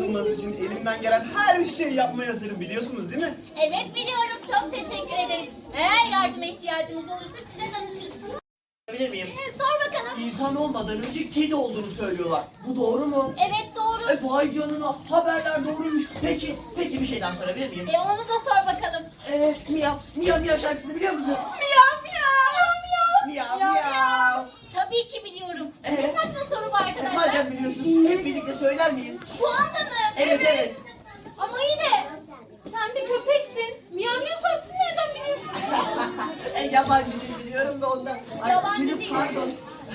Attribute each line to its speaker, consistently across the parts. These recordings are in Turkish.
Speaker 1: bulmanız için elimden gelen her şeyi yapmaya hazırım, biliyorsunuz değil mi?
Speaker 2: Evet biliyorum, çok teşekkür ederim. Eğer yardıma ihtiyacımız olursa size danışırız.
Speaker 3: Bilir miyim?
Speaker 2: Sor bakalım.
Speaker 3: İnsan olmadan önce kedi olduğunu söylüyorlar. Bu doğru mu?
Speaker 2: Evet doğru.
Speaker 3: Vay canına, haberler doğruymuş. Peki bir şeyden sorabilir miyim?
Speaker 2: Onu da sor bakalım.
Speaker 3: Miyav şarkısını biliyor musun?
Speaker 2: Miyav miyav.
Speaker 3: Miyav miyav.
Speaker 2: Tabii ki biliyorum. Ne saçma soru bu arkadaşlar.
Speaker 3: Madem biliyorsun, hep birlikte söyler miyiz?
Speaker 2: Şu anda mı?
Speaker 3: Evet.
Speaker 2: Ama iyi de sen bir köpeksin. Miyav miyav şarkısını nereden biliyorsun?
Speaker 3: Yabancı dil biliyorum da ondan.
Speaker 2: Yabancı
Speaker 3: Gülüm,
Speaker 2: dil.
Speaker 3: pardon.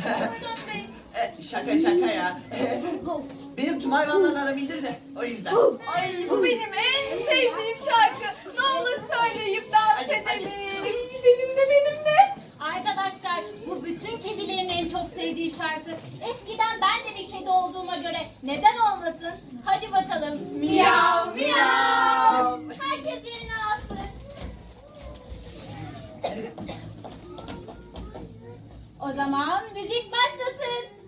Speaker 3: Şaka ya. Benim tüm hayvanlarla aram iyidir de o yüzden.
Speaker 4: Ay bu benim en sevdiğim şarkı. Ne olur söyleyip dans edelim. Benim de.
Speaker 2: Arkadaşlar bu bütün kedilerin en çok sevdiği şarkı. Eskiden ben de bir kedi olduğuma göre neden olmasın? Hadi bakalım.
Speaker 3: Miyav, miyav.
Speaker 2: Herkes yerine alsın. O zaman müzik başlasın.